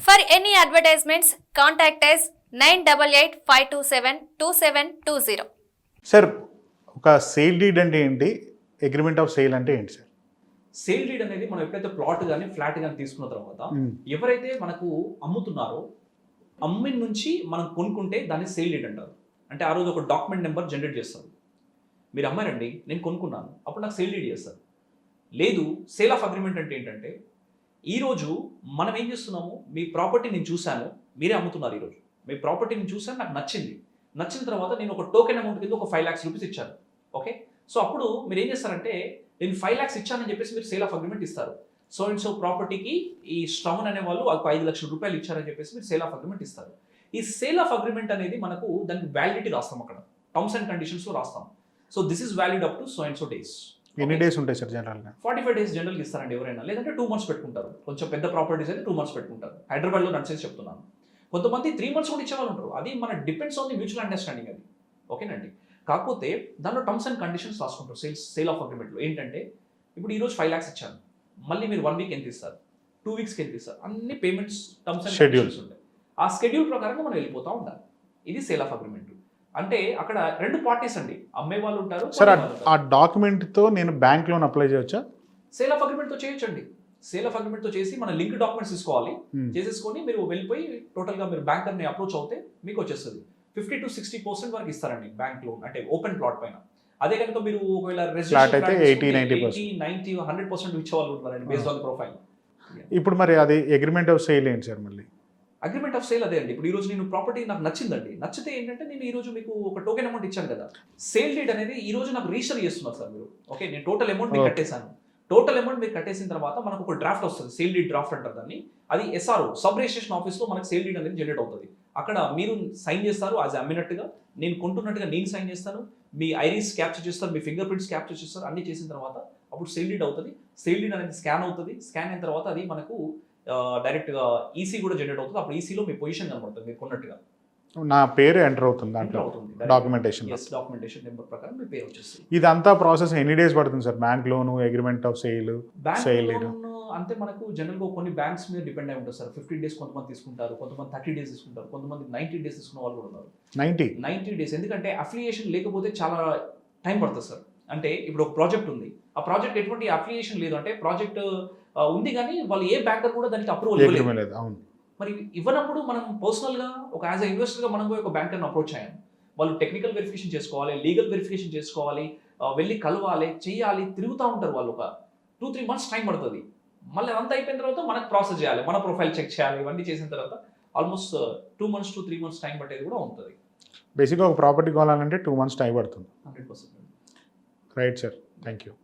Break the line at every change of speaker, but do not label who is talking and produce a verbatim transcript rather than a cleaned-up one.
For any advertisements, contact us nine eight eight five two seven two seven two zero.
Sir ఒక sale deed అంటే ఏంటి, agreement of sale అంటే ఏంటి sir?
Sale deed అనేది మనం ఎప్పుడైతే ప్లాట్ కానీ ఫ్లాట్ కానీ తీసుకున్న తర్వాత ఎవరైతే మనకు అమ్ముతున్నారో అమ్మిన నుంచి మనం కొనుక్కుంటే దాన్ని సేల్ డీడ్ అంటారు. అంటే ఆ రోజు ఒక డాక్యుమెంట్ నెంబర్ జనరేట్ చేస్తారు. మీరు అమ్మారండి, నేను కొనుక్కున్నాను, అప్పుడు నాకు సేల్ డీడ్ చేస్తారు. లేదు, సేల్ ఆఫ్ అగ్రిమెంట్ అంటే ఏంటంటే ఈరోజు మనం ఏం చేస్తున్నాము, మీ ప్రాపర్టీ నేను చూశాను, మీరే అమ్ముతున్నారు. ఈరోజు మీ ప్రాపర్టీ నేను చూశాను, నాకు నచ్చింది. నచ్చిన తర్వాత నేను ఒక టోకెన్ అమౌంట్ కింద ఒక ఫైవ్ ల్యాక్స్ రూపీస్ ఇచ్చాను. ఓకే, సో అప్పుడు మీరు ఏం చేస్తారంటే నేను ఫైవ్ ల్యాక్స్ ఇచ్చానని చెప్పేసి మీరు సేల్ ఆఫ్ అగ్రిమెంట్ ఇస్తారు. సో అండ్ సో ప్రాపర్టీకి ఈ స్ట్రౌన్ అనే వాళ్ళు ఒక ఐదు లక్షల రూపాయలు ఇచ్చారని చెప్పేసి మీరు సేల్ ఆఫ్ అగ్రిమెంట్ ఇస్తారు. ఈ సేల్ ఆఫ్ అగ్రిమెంట్ అనేది మనకు దానికి వ్యాలిడిటీ రాస్తాం, అక్కడ టర్మ్స్ అండ్ కండిషన్స్లో రాస్తాం. So this is valid up to so and so days.
ఎన్ని డేస్ ఉంటాయి సార్ జనరల్గా?
ఫార్టీ ఫైవ్ డేస్ జనరల్గా ఇస్తారండి ఎవరైనా, లేదంటే టూ మంత్స్ పెట్టుకుంటారు. కొంచెం పెద్ద ప్రాపర్టీస్ అయితే టూ మంత్స్ పెట్టుకుంటారు. హైదరాబాద్లో నడిచేసి చెప్తున్నాను. కొంతమంది త్రీ మంత్స్ కూడా ఇచ్చేవాళ్ళు ఉంటారు. అది మన depends on the mutual understanding అది. ఓకేనండి. కాకపోతే దానిలో టర్మ్స్ అండ్ కండిషన్స్ రాసుకుంటారు సేల్స్ సేల్ ఆఫ్ అగ్రిమెంట్లో. ఏంటంటే ఇప్పుడు ఈరోజు ఫైవ్ ల్యాక్స్ ఇచ్చాను, మళ్ళీ మీరు వన్ వీక్ ఎంత ఇస్తారు, టూ వీక్స్కి ఎంత ఇస్తారు, అన్ని పేమెంట్స్ టర్మ్స్ అండ్ కండిషన్స్ ఉంటాయి. ఆ షెడ్యూల్ ప్రకారంగా మనం వెళ్ళిపోతూ ఉండాలి. ఇది సేల్ ఆఫ్ అగ్రిమెంట్. అంటే అక్కడ రెండు పార్టీస్ అండి, అమ్మే వాళ్ళు ఉంటారు.
సార్ ఆ డాక్యుమెంట్ తో నేను బ్యాంక్ లోన్ అప్లై చేయొచ్చా?
సేల్ ఆఫ్ అగ్రిమెంట్ తో చేయొచ్చండి. సేల్ ఆఫ్ అగ్రిమెంట్ తో చేసి మన లింక్ డాక్యుమెంట్స్ తీసుకోవాలి. చేసేసుకొని మీరు వెళ్ళిపోయి టోటల్ గా మీరు బ్యాంకర్ ని అప్రోచ్ అవుతే మీకు వచ్చేస్తుంది. ఫిఫ్టీ టు సిక్స్టీ పర్సెంట్ వరకు ఇస్తారండి బ్యాంక్ లోన్, అంటే ఓపెన్ ప్లాట్ పైన. అదే కనుక మీరు ఒకవేళ నైన్టీ హండ్రెడ్ పర్సెంట్ ఇచ్చే వాళ్ళు ఉంటారండి బేస్డ్ ఆన్ ప్రొఫైల్.
ఇప్పుడు మరి అది అగ్రిమెంట్ ఆఫ్ సేల్ ఏంటి సార్? మళ్ళీ
అగ్రిమెంట్ ఆఫ్ సేల్ అదే అండి. ఇప్పుడు ఈ రోజు నేను ప్రాపర్టీ నాకు నచ్చిందండి, నచ్చితే ఏంటంటే నేను ఈ రోజు మీకు ఒక టోకెన్ అమౌంట్ ఇచ్చాను కదా, సేల్ డీడ్ అనేది ఈ రోజు నాకు రిజిస్టర్ చేస్తున్నారు సార్ మీరు. ఓకే, నేను టోటల్ అమౌంట్ మీకు కట్టేశాను. టోటల్ అమౌంట్ మీరు కట్టేసిన తర్వాత మనకు ఒక డ్రాఫ్ట్ వస్తుంది, సేల్ డీడ్ డ్రాఫ్ట్ అంటారు దాన్ని. అది ఎస్ఆర్ఓ సబ్ రిజిస్ట్రేషన్ ఆఫీస్లో మనకు సేల్ డీడ్ అనేది జనరేట్ అవుతుంది. అక్కడ మీరు సైన్ చేస్తారు యాజ్ అమ్మినట్టుగా, నేను కొంటున్నట్టుగా నేను సైన్ చేస్తాను, మీ ఐరిస్ క్యాప్చర్ చేస్తారు, మీ ఫింగర్ ప్రింట్స్ క్యాప్చర్ చేస్తారు. అన్ని చేసిన తర్వాత అప్పుడు సేల్ డీడ్ అవుతుంది. సేల్ డీడ్ అనేది స్కాన్ అవుతుంది. స్కాన్ అయిన తర్వాత అది మనకు డైరెక్ట్గా ఈసీ కూడా జనరేట్ అవుతుంది. అప్పుడు ఈసీలో మీ పొజిషన్ కనబడుతుంది, మీరు కొన్నట్టుగా
నా పేరు ఎంటర్ అవుతుంది దాంట్లో డాక్యుమెంటేషన్
డాక్యుమెంటేషన్ నెంబర్ ప్రకారం మీ పేరు వచ్చేస్తుంది.
ఇదంతా ప్రాసెస్ ఎన్ని డేస్ పడుతుంది sir? Bank loan, agreement of sale, sale
అంటే మనకు జనరల్గా కొన్ని బ్యాంక్స్ మీద డిపెండ్ అయి ఉంటుంది సార్. ఫిఫ్టీన్ డేస్ కొంతమంది తీసుకుంటారు, కొంతమంది థర్టీ డేస్ తీసుకుంటారు, కొంతమంది నైన్టీ డేస్ తీసుకున్న వాళ్ళు కూడా ఉన్నారు. నైన్టీ నైన్టీ డేస్ ఎందుకంటే అఫిలియేషన్ లేకపోతే చాలా టైం పడుతుంది సార్. అంటే ఇప్పుడు ఒక ప్రాజెక్ట్ ఉంది, ఆ ప్రాజెక్ట్ ఎటువంటి అఫిలియేషన్ లేదు, అంటే ప్రాజెక్ట్ ఉంది కానీ వాళ్ళు ఏ బ్యాంకర్ కూడా దానికి అప్రూవల్ ఇవ్వలేదు. మరి ఇవ్వనప్పుడు మనం పర్సనల్గా ఒక యాజ్ అ ఇన్వెస్టర్గా మనం పోయి ఒక బ్యాంకర్ని అప్రోచ్ అయ్యాను. వాళ్ళు టెక్నికల్ వెరిఫికేషన్ చేసుకోవాలి, లీగల్ వెరిఫికేషన్ చేసుకోవాలి, వెళ్ళి కలవాలి, చేయాలి, తిరుగుతూ ఉంటారు వాళ్ళు. ఒక టూ త్రీ మంత్స్ టైం పడుతుంది. మళ్ళీ అదంతా అయిపోయిన తర్వాత మనకు ప్రాసెస్ చేయాలి, మన ప్రొఫైల్ చెక్ చేయాలి. ఇవన్నీ చేసిన తర్వాత almost two months to three months time పట్టేది కూడా ఉంటుంది.
బేసిక్గా ఒక ప్రాపర్టీ కొనాలంటే టూ మంత్స్ టైం పడుతుంది.
Hundred percent
right sir, thank you.